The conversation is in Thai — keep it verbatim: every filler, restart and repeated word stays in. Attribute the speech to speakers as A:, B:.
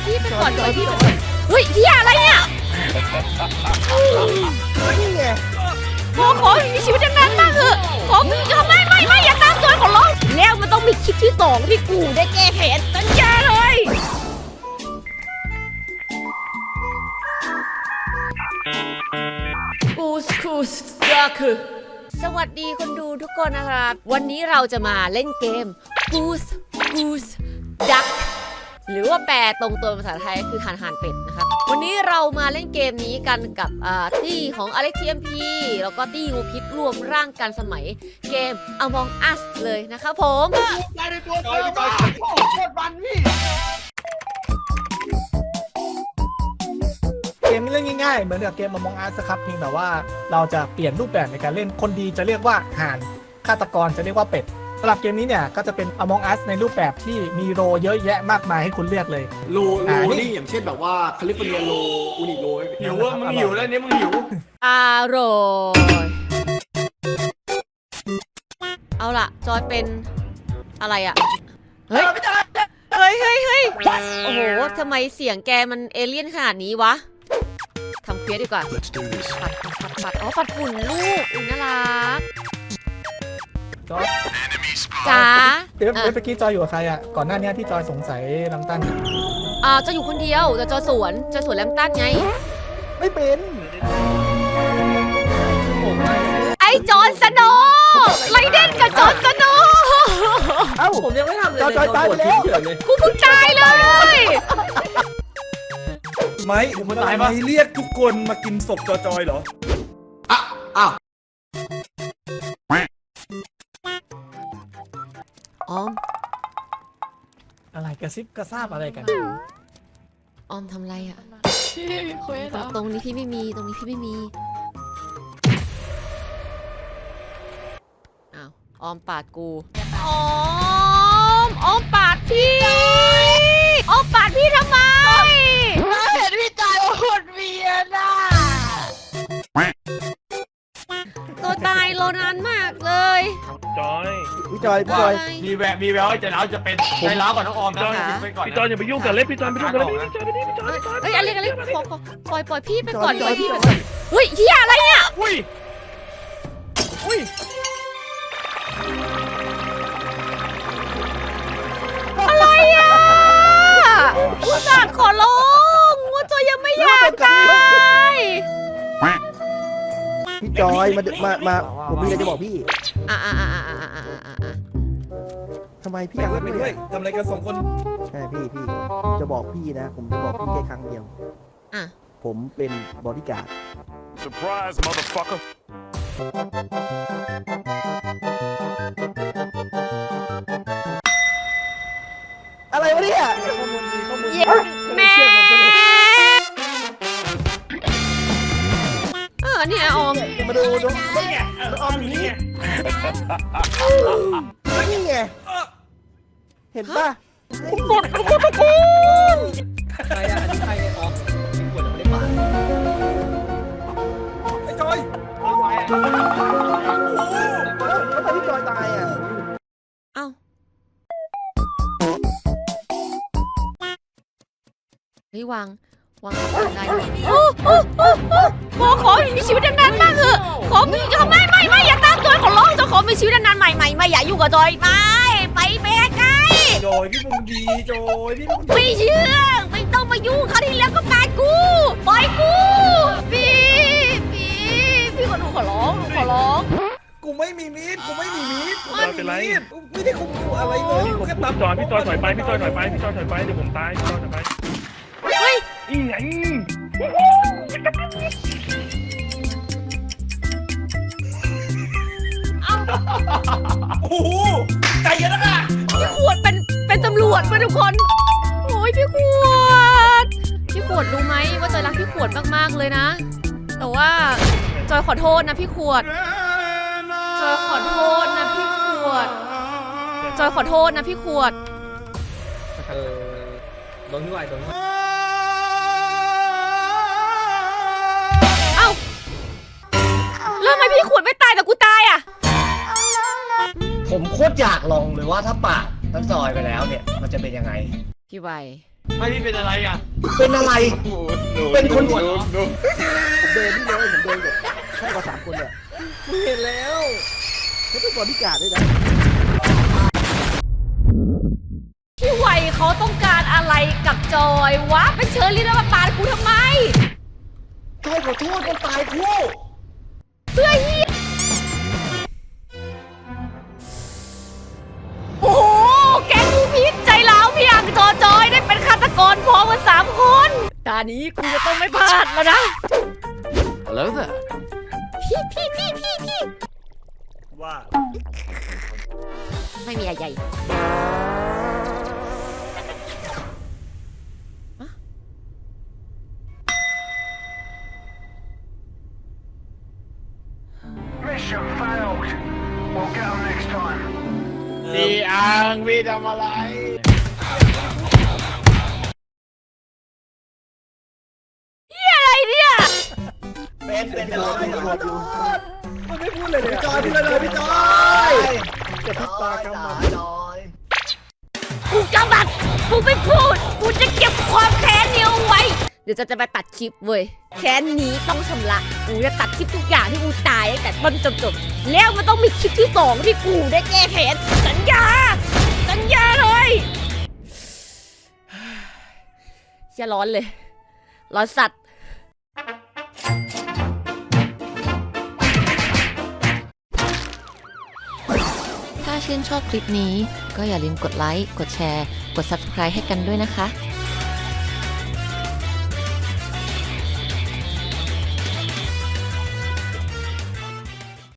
A: พี่ไปก่อนเลยพี่ไปก่อนเฮ้ยเฮียอะไรเนี่ย
B: นี่ไง
A: ขอขอมีชีวิตนานๆมากเถอะขอมีทำไมไม่ไม่อย่าตามตัวขอร้องแล้วมันต้องมีคลิปที่สองที่กูได้แก้แค้นสัญญาเลยกูสกูสก็คือสวัสดีคนดูทุกคนนะครับวันนี้เราจะมาเล่นเกม Goose Goose Duck หรือว่าแปลตรงตัวภาษาไทยคือห่านห่านเป็ดนะครับวันนี้เรามาเล่นเกมนี้กันกับตี้ของ Alex ที เอ็ม พี แล้วก็ตี้งูพิษรวมร่างกันสมัยเกม Among Us เลยนะครับผม
B: ใจในตัวเธอว่าโคตรมันพี่เกมนี้เล่นง่ายๆเหมือนกับเกม Among Us ครับเพียงแต่ว่าเราจะเปลี่ยนรูปแบบในการเล่นคนดีจะเรียกว่าห่านฆาตกรจะเรียกว่าเป็ดสำหรับเกมนี้เนี่ยก็จะเป็น Among Us ในรูปแบบที่มีโรเยอะแยะมากมายให้คุณเลือกเลย
C: โลโลนี่อย่างเช่นแบบว่าแคลิฟอร์เนียโลอูนิโล
D: หิวว่ามึงหิวแล้วเนี่ยมึงหิว
A: อร่อยเอาล่ะจอยเป็นอะไรอ่ะเฮ้ยเฮ้ยเฮ้ยเฮ้ยโอ้โหทำไมเสียงแกมันเอเลี่ยนขนาดนี้วะทำเควสดีกว่าปัดปัดปัดปัดอ๋อปัดฝุ่นลูกอุ้ยน่ารักจ๋า
B: เดี๋ยวเมื่อกี้จอยอยู่กับใครอ่ะก่อนหน้านี้ที่จอยสงสัยลังตัน
A: อ่าจะอยู่คนเดียวแต่จอยสวนจอยสวนแลมตันไง
B: ไม่เป็น
A: ไอ้จอนสโนไลเดนกับจอนสโน
B: เอ้า
D: ผมยังไม่ทำเลย
B: จอยจอยตายไปแล้ว
A: กูเพิ่งตายเลย
E: ไม่ไม่เรียกทุกคนมากินศพจอยๆเหรอ
C: อ่ะอ้าว
A: ออม
B: อะไรกระซิบกระซาบอะไรกัน
A: ออมทำไรอ่ะ
F: พี่มีเควสเหรอ
A: ตรงนี้พี่ไม่มีตรงนี้พี่ไม่มีอ้าวออมปาดกูออมออมปาดพี่ออมปาดพี่ทำไม
F: เห็นพี่จ่ายโอดเวียนอ่ะ
A: ตัวตายรอนานมากเลย
D: จอย
B: พี่จอยพี่จอย
D: มีแววมีแววจะแล้วจะเป็นใจร้าวก่อนน้องออมนะไปก่อน
G: พี่จอยอย่าไปยุ่งกับเล็บพี่จอยไม่ยุ่งกับเล็บพี่จอยไปนี่พี่จอย
A: เฮ้ยอะไรกันเลยขอขอปล่อยปล่อยพี่ไปก่อนปล่อยพี่ไปก่อนเฮ้ยเฮียอะไรเนี่ย
D: อุ้ย
B: อุ้ย
A: อะไรอ่ะอุตส่าห์ขอร้องว่าจอยยังไม่อยากตาย
H: พี่จอยมามามาผมมีอะไรจะบอกพี่
A: อ่ะอ่ะอ่ะอ่ะอ่ะอ่ะอ่ะอ่ะ
H: ทำไมพี่
E: ไม่
H: อยาก
E: ด้วยไม่ด้วยทำอะไรกันสองคน
H: ใช่พี่พี่ผมจะบอกพี่นะ ผมจะบอกพี่แค่ครั้งเดียว
A: อ่ะ
H: ผมเป็นบอดี้การ์ด
G: surprise motherfucker
H: อะไรวะเนี่ย
B: ข้อมูลดีข้อมูลดี
A: เย้แม่เออนี่ไงออม
H: มาดูดู
D: นี่ไงออมอยู่นี่ไง
H: นี่ไงเห็นป่ะ
A: หมดทุกคนทุกคน
C: ใครอ่ะอันนี้ใครเนี่ยออมกินขวดยังไม่ได้ปาด
E: ไอ้จอย
H: แล้วแล้วทำไมพี่จอยตายอ่ะ
A: เอ้าเฮ้ยวางวางวางได้โอ้โอ้โอ้โอ้ขอขอมีชีวิตนานๆมากเถอะขอมีทำไมไม่ไม่อย่าตามจอยขอร้องจะขอมีชีวิตนานๆใหม่ใหม่ไม่อย่าอยู่กับจอยไม่ไปไปไกล
E: จอยพี่มึงดีจอยพี่มึง
A: ไม่เชื่อไม่ต้องมายุ่งเขาวที่แล้วก็ปาดกูปล่อยกูพี่พี่พี่ขอหนูขอร้องหนูขอร้อง
E: กูไม่มีมีดกูไม่มีมีด
G: ไม่เป็นไร
E: ไม่ได้คุมกูอะไรเลย
G: พี่ผม
E: แค่
G: พี่
E: ตับ
G: จอยพี่จอยถอยไปพี่จอยถอยไปพี่จอยถอยไปเดี๋ยวผมตายพี่จอยถอยไป
A: เฮ้ย
G: อีไง
E: โอ้โหใจเย็นนะ
A: พี่ขวดเป็นเป็นตำรวจมาทุกคนโอ้ยพี่ขวดพี่ขวดรู้ไหมว่าจอยรักพี่ขวดมากๆเลยนะ แต่ว่าจอยขอโทษนะพี่ขวดจอยขอโทษนะพี่ขวดจอยขอโทษนะพี่ขวด
C: เออโดนด้วยโดนด้วย
A: เอ้าแล้วทำไมพี่ขวดไม่ตายแต่กูตายอ่ะ
C: ผมโคตรอยากลองเลยว่าถ้าปาดทั้งซอยไปแล้วเนี่ยมันจะเป็นยังไง
A: พี่ใบ
D: ไม่พี่เป็นอะไรอ่ะ
C: เป็นอะไร เป็นคน
D: ปวดเหรอ
H: ผมเดินนี่เลยผมเดินกับใช่กว่าสามคนเนี่ย
C: มึงเห็นแล้ว
H: ไม่เป็นบอดี้การ์ดด้วยนะ
A: พี่ไวเขาต้องการอะไรกับจอยวะเป็นเชอรี่แล้วมาปาดกูทำไม
C: จอยขอโทษมันตายคู่
A: เพื่อเฮียโอ้โหแกงกูพีชใจร้าวพี่อังจอจอยได้เป็นฆาตกรพร้อมกันสามคนตานี้กูจะต้องไม่พลาดแล้วนะ
D: Hello there
A: พี่พี่พี่พี่พี่
E: ว่า
A: ไม่มีอะไร
G: พี่อังพี่ทำอะไร
A: อะไรเนี่ย
C: เป็นเป็นเป็น
H: ตำรวจอยู่
B: มันไม่พูดเลยเนี่ย
C: จอยพี่เลยพี่จอย
B: กระพริบตากำมัน
A: กูกำบัดกูไม่พูด กูจะเก็บความแค้นนี้เอาไว้ เดี๋ยวจะจะไปตัดคลิปเว้ย แค้นนี้ต้องชำระ กูจะตัดคลิปทุกอย่างที่กูตายตั้งแต่ต้นจนจบ แล้วมันต้องมีคลิปที่สองที่กูได้แก้แค้น สัญญา สัญญาเลยอย่าร้อนเลย ร้อนสัตว์ ถ้าชื่นชอบคลิปนี้ก็อย่าลืมกดไลค์ กดแชร์ กด ซับสไครบ์ ให้กันด้วยนะคะ